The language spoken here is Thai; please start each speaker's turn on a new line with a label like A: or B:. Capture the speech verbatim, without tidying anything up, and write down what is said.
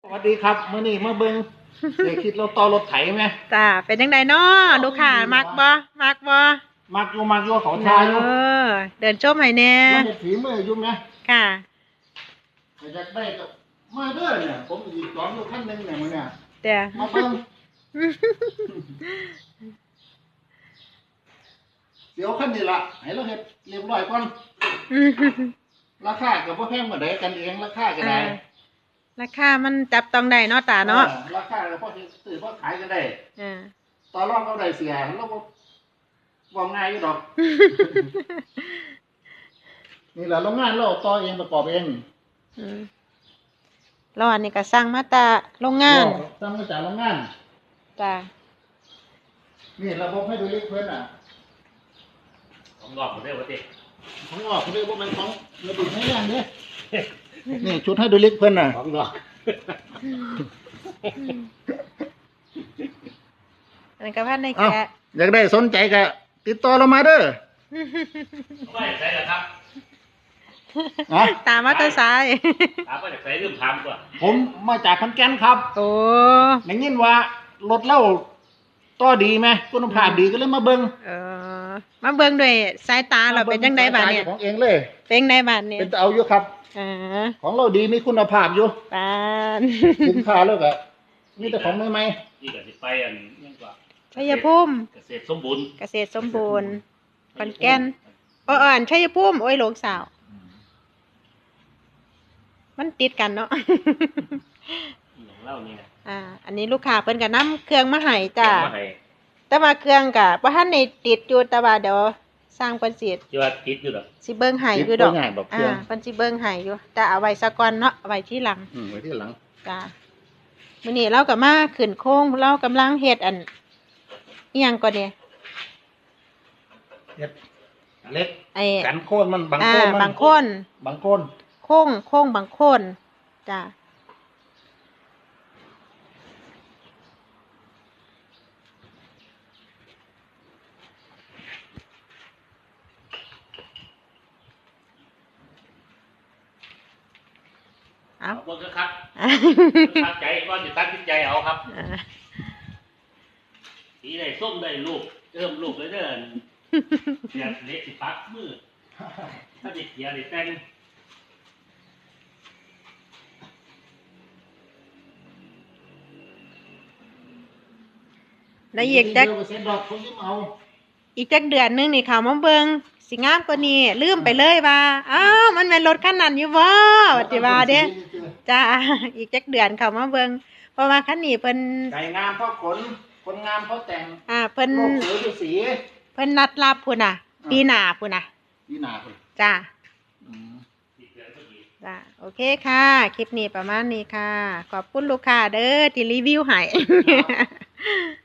A: วัสดีครับมื้อนี้มาเบิ่งเดี๋ยวคิดเราต่อรถไถไหม
B: จ้าเป็นยังไงเนาะลูกค้ามักบ่มักบ่
A: มักอยู่มักอยู่เขาทายอยู่
B: เออเดินชมให้แน่
A: มันจะฝีมืออยู่ไหม
B: ค่ะ
A: อยากได้ก็มาเด้อเนี่ยผมอีกสองอยู่ขั้นหนึ่งเนี่ยมื้อเนี่ย
B: แต่
A: มาเบิ่งเดี๋ยวขั้นนี้ล่ะให้เราเฮ็ดเรียบร้อยก่อนราคาก็บ่แพงเหมือนใดกันเองราคาก็ได้
B: ราคามันจับต้องได้เนาะตาเนาะ
A: ราคาก็พอซื้อพอขายกันได้
B: อ่า
A: ต่อรองเขาได้เสียเราบ่บ่ง่ายอยู่ดอกนี่แหละโรงงานเราต่อเองประกอบเอง
B: อืมเราอันนี้ก็สั่งมาตาโรงงาน
A: สั่งมาจากโรงงาน
B: จ้า
A: นี่ระบบให้ดูเล็กเพิ่นอ่ะ
C: ของงอกผมได้ปะเต้
A: ของงอกเรียกว่ามันของระบบให้งานเนี่ยนี่ชุดให้ดูเล็กเพิ่นอ่ะ
C: ของงอก
B: อันนี้ก็พันในแกะ
A: อยากได้สนใจก็ติดต่อเรามาเด้อ
C: ไม่ใช่หรอครับ
B: ตามมาตาซ้าย
C: ตามมาจากไหนเริ่มทำก่อน
A: ผมมาจากขอนแก่นครับ
B: โอ้
A: ได้ยินว่ารถเล่าต่อดีไหมคุณภาพดีก็เลยมาเบิ่ง
B: เออมาเบิ่งด้วยสายตาเราเป็นยังไงบ้างเนี่ย
A: ของเองเลย
B: เป็นไงบ้างเนี่ย
A: เป็นเอาอยู่ครับ
B: อ่า
A: ของเราดีมีคุณภาพอยู่
B: ปาน
A: สินค้าแล้วก็มีแต่ของใหม่
C: ๆนี่ก็สิไปอันยังกว่า
B: ชัยภูมิ
C: เกษตรสมบูรณ์
B: เกษตรสมบูรณ์ขอนแก่นอ้อๆชัยภูมิโอ้ยหลงสาวมันติดกันเนาะ
C: ของเรานี่
B: อ่าอันนี้ลูกค้าเพิ่นก็นำเครื่องมาให้จ้าแต่ว่าเครื่องก็บ่ทันได้ติดอยู่แต่ว่าเดี๋ยวสร้างเพิ่นสิ
C: ที่ว่าติดอยู่ดอก
B: สิเบิ่งให้อยู่ดอกอ่าเพิ่นสิเบิ่งให้อยู่แต่เอาไว้ซะก่อนเนาะเอาไว้ที่หลัง
A: อืมไว้ที่หลัง
B: จ้ามื้อนี้เราก็มาขึ้นโค้งเรากำลังเฮ็ดอันอีหยังก่อนเนี่ย
A: เฮ็ดเล็ก
B: ไอ้
A: กันโค่นมันบางโค่น
B: บางโค่น
A: บางโค่น
B: โค้งโค้งบางโค่นจ้า
C: เอาเบิ่งครับตัดใจก่อนจะตัดสินใจเอาครับสีได้ส้มได้ลูกเริ่มลูกเลยเด้อเสียเละสิปักมือถ้าติดเสียได้แต่ง
B: แล้วอีกจักอีกจักเดือนนึงนี่เขามาเบิ่งสิงามกว่านี้ลืมไปเลยว่าอ้าวมันเป็นรถคันนั้นอยู่บ่ว่าสิว่าเด้จ้าอีกจักเดือนเขามาเบิ่งเพราะว่าคันนี้เพิ่น
A: ไก่งามเพราะขนคนงามเพราะแต่ง
B: อ่าเพิ่น
A: โลกสวยด้วยสี
B: เพิ่นนัดรับพุ่นน่ะปีหน้าพุ่นน่ะ
A: ปีหน้าพุ่น
B: จ้าอืมจ้าโอเคค่ะคลิปนี้ประมาณนี้ค่ะขอบคุณลูกค้าเด้อที่รีวิวให้